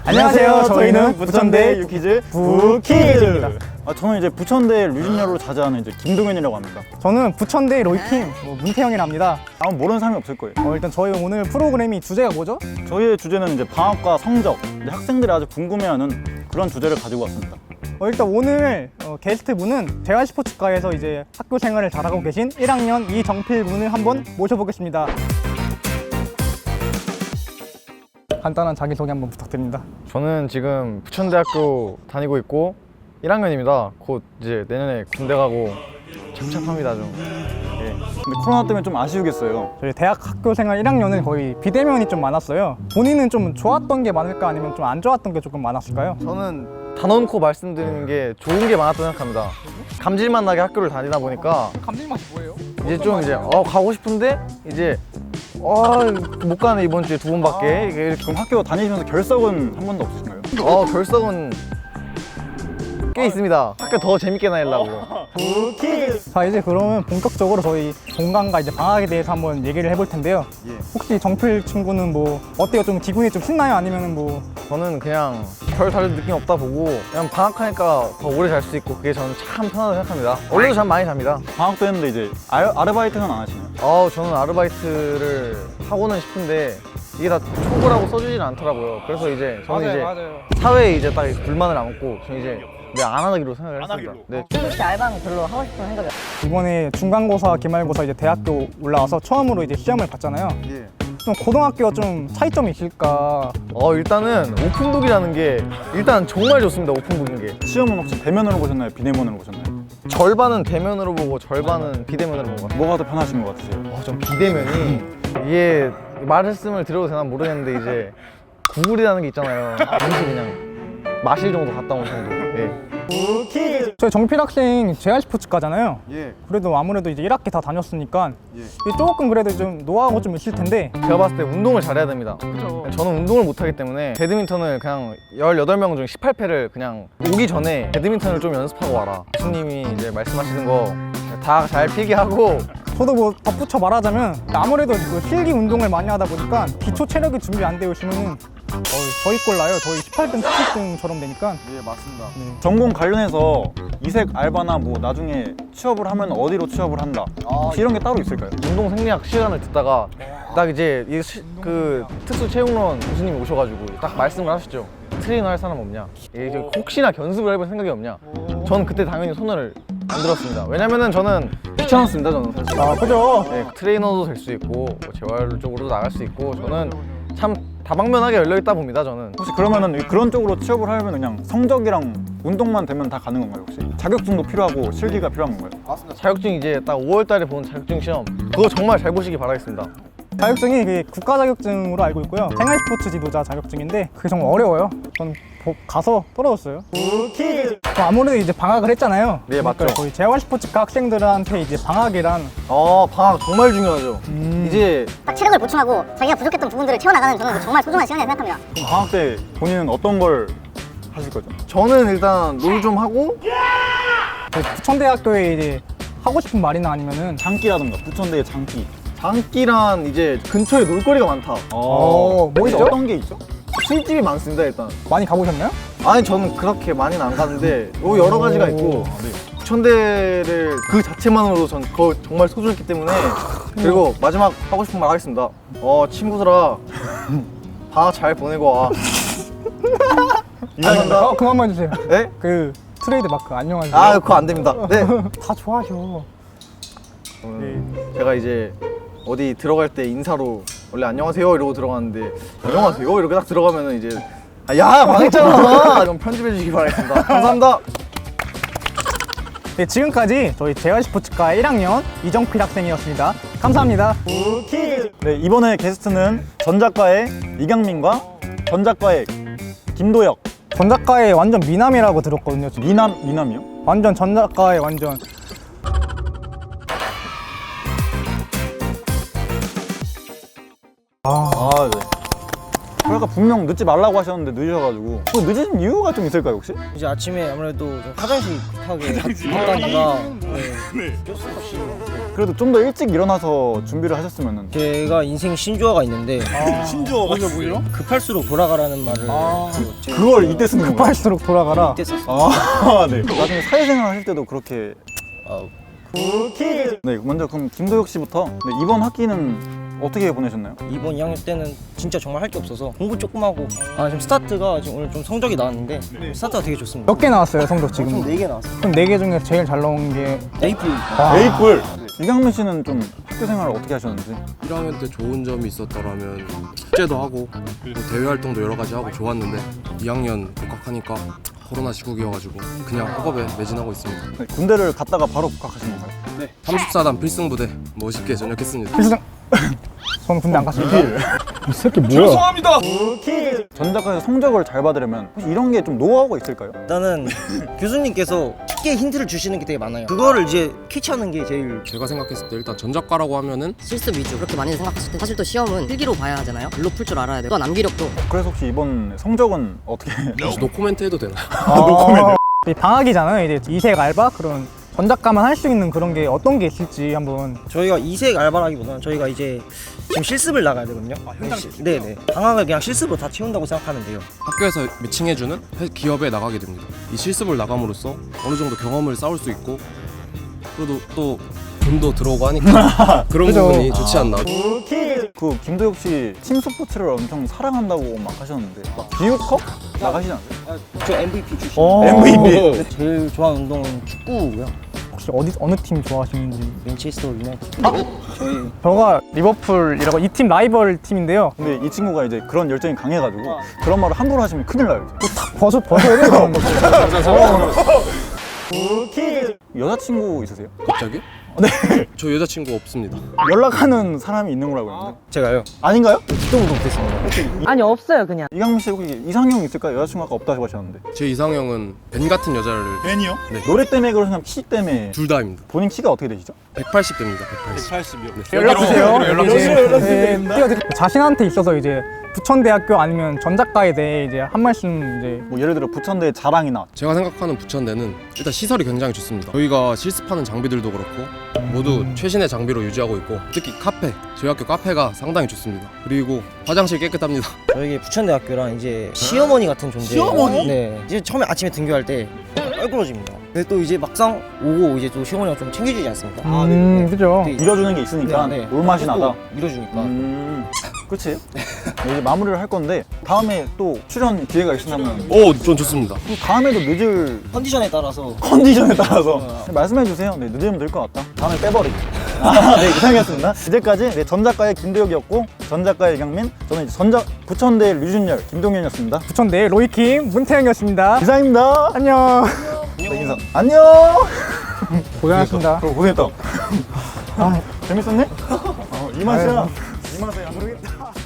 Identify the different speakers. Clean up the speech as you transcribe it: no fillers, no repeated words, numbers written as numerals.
Speaker 1: 안녕하세요. 저희는 부천대 유키즈 부키즈입니다.
Speaker 2: 저는 이제 부천대 류진열로 자자하는 이제 김동현이라고 합니다.
Speaker 1: 저는 부천대 로이킴 문태영이랍니다.
Speaker 2: 아마 모르는 사람이 없을 거예요.
Speaker 1: 일단 저희 오늘 프로그램이 주제가 뭐죠?
Speaker 2: 저희의 주제는 이제 방학과 성적, 이제 학생들이 아주 궁금해하는 그런 주제를 가지고 왔습니다.
Speaker 1: 일단 오늘 게스트분은 재활스포츠과에서 이제 학교 생활을 잘하고 계신 1학년 이정필 군을 한번 모셔보겠습니다. 간단한 자기소개 한번 부탁드립니다.
Speaker 3: 저는 지금 부천대학교 다니고 있고 1학년입니다. 곧 이제 내년에 군대 가고 착착합니다 좀.
Speaker 2: 근데 코로나 때문에 좀 아쉬우겠어요.
Speaker 1: 저희 대학 학교 생활 1학년은 거의 비대면이 좀 많았어요. 본인은 좀 좋았던 게 많을까 아니면 좀 안 좋았던 게 조금 많았을까요?
Speaker 3: 저는 단언코 말씀드리는 게 좋은 게 많았다고 생각합니다. 감질맛 나게 학교를 다니다 보니까
Speaker 1: 감질맛이 뭐예요?
Speaker 3: 이제 좀 이제 가고 싶은데 이제 못 가네 이번 주에 2번밖에.
Speaker 2: 그럼 학교 다니시면서 결석은 한 번도 없으신가요?
Speaker 3: 결석은 꽤 있습니다. 학교 더 재밌게 다니려고.
Speaker 1: 자, 이제 그러면 본격적으로 저희 종강과 이제 방학에 대해서 한번 얘기를 해볼 텐데요. 혹시 정필 친구는 뭐 어때요? 좀 기분이 좀 신나요? 아니면은 뭐
Speaker 3: 저는 그냥 별 다른 느낌 없다 보고 그냥 방학하니까 더 오래 잘 수 있고 그게 저는 참 편하다고 생각합니다. 원래도 잠 많이 잡니다.
Speaker 2: 방학도 했는데 이제 아르바이트는 안 하시나요?
Speaker 3: 저는 아르바이트를 하고는 싶은데 이게 다 초보라고 써주지는 않더라고요. 그래서 이제 저는
Speaker 1: 맞아요.
Speaker 3: 사회에 이제 딱 불만을 안고 저는 이제 안 하기로 생각을 했습니다. 네.
Speaker 4: 솔직히 알바는 별로 하고 싶은 생각이
Speaker 1: 이번에 중간고사, 기말고사 이제 대학교 올라와서 처음으로 이제 시험을 봤잖아요. 좀 고등학교가 좀 차이점이 있을까?
Speaker 3: 일단은 오픈북이라는 게 일단 정말 좋습니다. 오픈북인 게
Speaker 2: 시험은 혹시 대면으로 보셨나요? 비대면으로 보셨나요?
Speaker 3: 절반은 대면으로 보고 절반은 비대면으로 본 것 같아요.
Speaker 2: 뭐가 더 편하신 것 같으세요?
Speaker 3: 전 비대면이 이게 말씀을 드려도 되나 모르겠는데 이제 구글이라는 게 있잖아요. 잠시 그냥 마실 정도 갔다 온 정도.
Speaker 1: 저희 정필 학생 재활스포츠과잖아요.
Speaker 2: 예.
Speaker 1: 그래도 아무래도 이제 1학기 다 다녔으니까 이게 조금 그래도 좀 노하우가 좀 있을 텐데
Speaker 3: 제가 봤을 때 운동을 잘해야 됩니다. 저는 운동을 못하기 때문에 배드민턴을 그냥 18명 중 18패를 그냥 오기 전에 배드민턴을 좀 연습하고 와라. 교수님이 이제 말씀하시는 거 다 잘 필기하고.
Speaker 1: 저도 뭐 덧붙여 말하자면 아무래도 그 필기 운동을 많이 하다 보니까 기초 체력이 준비 안 되어 있으면 저희 꼴 나요. 저희 18등, 17등처럼 되니까.
Speaker 3: 네, 맞습니다.
Speaker 2: 전공 관련해서 이색 알바나 뭐 나중에 취업을 하면 어디로 취업을 한다. 혹시 이런 게 따로 있을까요?
Speaker 3: 운동 생리학 시간을 듣다가 딱 이제 그 특수 체육론 교수님이 오셔가지고 딱 말씀을 하시죠. 트레이너 할 사람 없냐? 이제 혹시나 견습을 해볼 생각이 없냐? 저는 그때 당연히 손을 안 들었습니다. 왜냐면은 저는 귀찮았습니다. 저는 사실.
Speaker 1: 그죠?
Speaker 3: 네, 트레이너도 될 수 있고 뭐 재활 쪽으로도 나갈 수 있고 저는 참 다방면하게 열려있다 봅니다. 저는.
Speaker 2: 혹시 그러면은 그런 쪽으로 취업을 하려면 그냥 성적이랑 운동만 되면 다 가는 건가요 혹시? 자격증도 필요하고 실기가 필요한 건가요?
Speaker 3: 자격증 이제 딱 5월달에 본 자격증 시험 그거 정말 잘 보시기 바라겠습니다.
Speaker 1: 자격증이 그게 국가 자격증으로 알고 있고요. 생활스포츠 지도자 자격증인데 그게 정말 어려워요. 전 가서 떨어졌어요. 아무래도 이제 방학을 했잖아요.
Speaker 3: 네, 맞죠.
Speaker 1: 그러니까 거의 재활스포츠과 학생들한테 이제 방학이란
Speaker 3: 방학 정말 중요하죠. 이제
Speaker 4: 딱 체력을 보충하고 자기가 부족했던 부분들을 채워나가는 저는 정말 소중한 시간이라고 생각합니다.
Speaker 2: 그럼 방학 때 본인은 어떤 걸 하실 거죠?
Speaker 3: 저는 일단 롤 좀 하고
Speaker 1: 부천대학교에 이제 하고 싶은 말이나 아니면은
Speaker 2: 장기라든가 부천대의 장기.
Speaker 3: 장기란 이제 근처에 놀거리가 많다.
Speaker 1: 뭐 있죠?
Speaker 2: 어떤 게 있죠?
Speaker 3: 술집이 많습니다. 일단
Speaker 1: 많이 가보셨나요?
Speaker 3: 아니 저는 그렇게 많이는 안 가는데 여러 가지가 있고 부천대를 그 자체만으로도 전 그거 정말 소중했기 때문에. 그리고 마지막 하고 싶은 말 하겠습니다. 친구들아 방학 잘 보내고 와. 이상합니다.
Speaker 1: 그만만 해주세요.
Speaker 3: 네?
Speaker 1: 그 트레이드 마크 안녕하세요.
Speaker 3: 그거 안 됩니다. 네.
Speaker 1: 다 좋아하셔.
Speaker 3: 제가 이제 어디 들어갈 때 인사로 원래 안녕하세요 이러고 들어가는데 안녕하세요 이렇게 딱 들어가면은 이제 야 망했잖아. 좀 편집해 주시기 바라겠습니다. 감사합니다.
Speaker 1: 네, 지금까지 저희 재활스포츠과 1학년 이정필 학생이었습니다. 감사합니다.
Speaker 2: 네, 이번에 게스트는 전작과의 이강민과 전작과의 김도혁.
Speaker 1: 전작가의 완전 미남이라고 들었거든요.
Speaker 2: 미남이요?
Speaker 1: 완전 전작가의 완전.
Speaker 2: 네. 아까 분명 늦지 말라고 하셨는데 늦으셔가지고 그 늦은 이유가 좀 있을까요 혹시?
Speaker 5: 이제 아침에 아무래도 좀 화장실 급하게 갔다니까 어쩔 수 없이
Speaker 2: 그래도 좀 더 일찍 일어나서 준비를 하셨으면은.
Speaker 5: 제가 인생 신조어가 있는데
Speaker 2: 신조어가 뭐죠?
Speaker 5: 급할수록 돌아가라는 말을
Speaker 2: 그걸 이때 쓰는 건가요?
Speaker 1: 급할수록 돌아가라.
Speaker 5: 이때 썼어요.
Speaker 2: 아, 네. 나중에 사회생활 하실 때도 그렇게.
Speaker 5: 아,
Speaker 2: 네, 먼저 그럼 김도혁 씨부터. 네, 이번 학기는 어떻게 보내셨나요?
Speaker 5: 이번 2학년 때는 진짜 정말 할 게 없어서 공부 조금 하고 지금 스타트가 지금 오늘 좀 성적이 나왔는데 스타트가 되게 좋습니다.
Speaker 1: 몇 개 나왔어요 성적 지금?
Speaker 5: 총 4개 나왔어요.
Speaker 1: 그럼 4개 중에 제일 잘 나온 게
Speaker 5: 에이플.
Speaker 2: 에이플. 이강민 씨는 좀 학교 생활을 어떻게 하셨는지.
Speaker 6: 1학년 때 좋은 점이 있었더라면 숙제도 하고 뭐 대외 활동도 여러 가지 하고 좋았는데 2학년 복학하니까 코로나 시국이어가지고 그냥 학업에 매진하고 있습니다.
Speaker 2: 네, 군대를 갔다가 바로 복학하신 건가요?
Speaker 6: 34단 필승부대 멋있게 전역했습니다.
Speaker 1: 필승. 저는 군대 안 갔습니다. 이 새끼 뭐야?
Speaker 2: 전작가에서 성적을 잘 받으려면 혹시 이런 게 좀 노하우가 있을까요?
Speaker 5: 일단은 교수님께서 쉽게 힌트를 주시는 게 되게 많아요. 그거를 이제 캐치하는 게 제일
Speaker 6: 제가 생각했을 때 일단 전작가라고 하면은
Speaker 7: 실습 위주 그렇게 많이 생각했을 때 사실 또 시험은 필기로 봐야 하잖아요. 글로 풀 줄 알아야 돼요. 또 암기력도
Speaker 2: 그래서 혹시 이번 성적은 어떻게?
Speaker 6: 혹시 노코멘트 해도 되나요?
Speaker 1: 이 방학이잖아요. 이제 이색 알바 그런 전작가만 할 수 있는 그런 게 어떤 게 있을지 한번.
Speaker 5: 저희가 이색 알바라기보다는 저희가 이제 지금 실습을 나가야 되거든요. 네네. 방학을 그냥 실습으로 다 채운다고 생각하면 돼요.
Speaker 6: 학교에서 매칭해주는 기업에 나가게 됩니다. 이 실습을 나감으로써 어느 정도 경험을 쌓을 수 있고 그래도 또 돈도 들어오고 하니까 그런
Speaker 1: 그죠.
Speaker 6: 부분이 좋지 않나.
Speaker 2: 그 김도혁 씨 팀 스포츠를 엄청 사랑한다고 막 하셨는데 막 기후컵 나가시지 않으세요?
Speaker 5: 저 MVP 출신.
Speaker 2: MVP.
Speaker 5: 제일 좋아하는 운동은 축구고요.
Speaker 1: 혹시 어느 팀 좋아하시는지?
Speaker 5: 맨체스터 유나이티드. 저희
Speaker 1: 저가 리버풀이라고 이 팀 라이벌 팀인데요.
Speaker 2: 근데 이 친구가 이제 그런 열정이 강해가지고 그런 말을 함부로 하시면 큰일 나요. 이제.
Speaker 1: 벗어야 돼요.
Speaker 2: 여자친구 있으세요?
Speaker 6: 갑자기?
Speaker 2: 네.
Speaker 6: 저 여자친구 없습니다.
Speaker 2: 연락하는 사람이 있는 거라고 했는데
Speaker 5: 제가요.
Speaker 2: 아닌가요?
Speaker 5: 기동도 못했습니다.
Speaker 8: 아니 없어요 그냥.
Speaker 2: 이강민 씨 혹시 이상형 있을까요? 여자친구 아까 없다고 하셨는데.
Speaker 6: 제 이상형은 벤 같은 여자를
Speaker 2: 벤이요?
Speaker 6: 네.
Speaker 2: 노래 때문에 그러시면 키 때문에.
Speaker 6: 둘 다입니다.
Speaker 2: 본인 키가 어떻게 되시죠?
Speaker 6: 180 됩니다. 180.
Speaker 1: 연락 주세요.
Speaker 2: 연락
Speaker 1: 띄워드릴게요. 자신한테 있어서 이제 부천대학교 아니면 전작가에 대해 이제 한 말씀 이제.
Speaker 2: 뭐 예를 들어 부천대 자랑이나.
Speaker 6: 제가 생각하는 부천대는 일단 시설이 굉장히 좋습니다. 저희가 실습하는 장비들도 그렇고 모두 최신의 장비로 유지하고 있고 특히 카페, 저희 학교 카페가 상당히 좋습니다. 그리고 화장실 깨끗합니다.
Speaker 5: 저에게 부천대학교랑 이제 시어머니 같은 존재. 시어머니? 네. 이제 처음에 아침에 등교할 때 껄끄러집니다. 근데 또 이제 막상 오고 이제 또 시어머니가 좀 챙겨주지 않습니까?
Speaker 1: 그죠.
Speaker 5: 되게
Speaker 2: 밀어주는 게 있으니까 올맛이 나다.
Speaker 5: 밀어주니까.
Speaker 2: 그치? 이제 마무리를 할 건데 다음에 또 출연 기회가 있으면
Speaker 6: 오, 전 좋습니다.
Speaker 2: 다음에도 늦을
Speaker 5: 컨디션에 따라서
Speaker 2: 컨디션에 따라서 말씀해 주세요. 네, 늦으면 될 것 같다. 다음에 빼버리기. 네, 이상이었습니다. 이제까지 네, 전작가의 김도혁이었고 전작가의 이강민, 저는 이제 부천대 류준열, 김동현이었습니다.
Speaker 1: 부천대 로이킴 문태영이었습니다.
Speaker 2: 이상입니다.
Speaker 1: 안녕.
Speaker 2: 네, 인사. 안녕.
Speaker 1: 고생하셨습니다.
Speaker 2: 고생했다. 재밌었네? 이 맛이야. 이 맛이야. 모르겠다.